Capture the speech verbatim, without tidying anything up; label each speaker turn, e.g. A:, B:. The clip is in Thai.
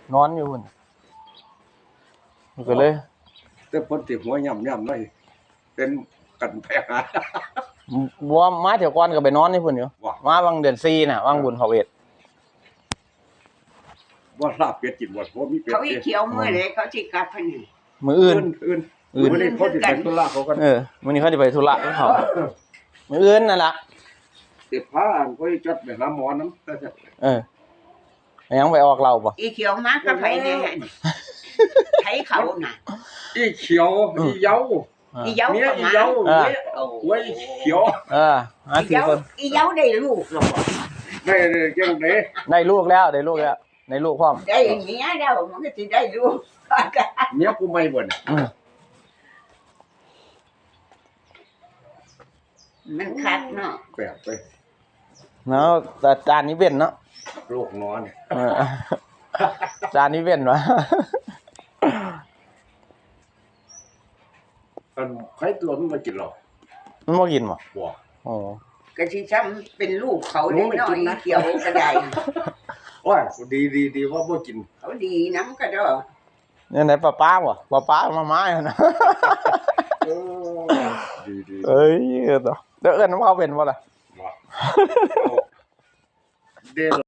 A: นอนอยู่พุ่นก็เลย
B: แต่พ้นติหัวย่ำย่ำเลยเป็นกันแพ้หา
A: บัวมาเที่ยวก่อนก็ไปนอนนี่พุ่นอยู่มาบางเดือนสี่น่ะวางบุญเขาเวท
B: ว่าลาบเป็ดกินบ่เพราะมีเป็ด
C: เขาอีเขียวมื้อเลยเขาสิกลับพันนี่
A: มื้ออื่น
B: อื่นอื่นมื้อนี้เขาสิไปธุระเขากัน
A: เออมื้อนี้เขาสิไปธุระของเขามื้ออื่นนั่นล่ะ
B: สิพาอันเขาจัดไปหาหมอนำ
A: เออยังไปออกเราบ่
C: อีเขียวมากับไผแน่ไผเขาน่ะ
B: อีเขียวอีเหยา
C: อีเหยา
B: เมียอีเหยาหัวอีเขียว
A: เออหาสี่คน
C: อีเหยาได้ลูกหรอ
B: ได้จังได๋
A: ได้ลูกแล้วได้ลูกแล้วได้ลูกพร้อม
C: ได้เมียแล้วมันก็สิได้ลูก
B: เมียกูใหม่บ่น่ะ
C: มันคักเนาะ
B: แปลกไป
A: เนาะแต่จานนี้เว้นเนาะ
B: โรคนอน
A: เออจานนี้เว้นวะ
B: มันใครตัวมันมากินหรอ
A: มันบ่กินบ่
B: บ่
A: โอ้
C: ก็สิซ้ำเป็นลูกเขาได้น้อยเขียวก็ได้
B: โอ้ยดีๆๆว่าบ่กิน
C: เขาดีนำก็ดอก
A: เนี่ยไหนป้าป้าบ่ป้าป้ามาไม้นะ
B: เออดีๆ
A: เอ้ยเด้อเอิ้นเขาเป็นบ่ล่ะ
B: บ่เด้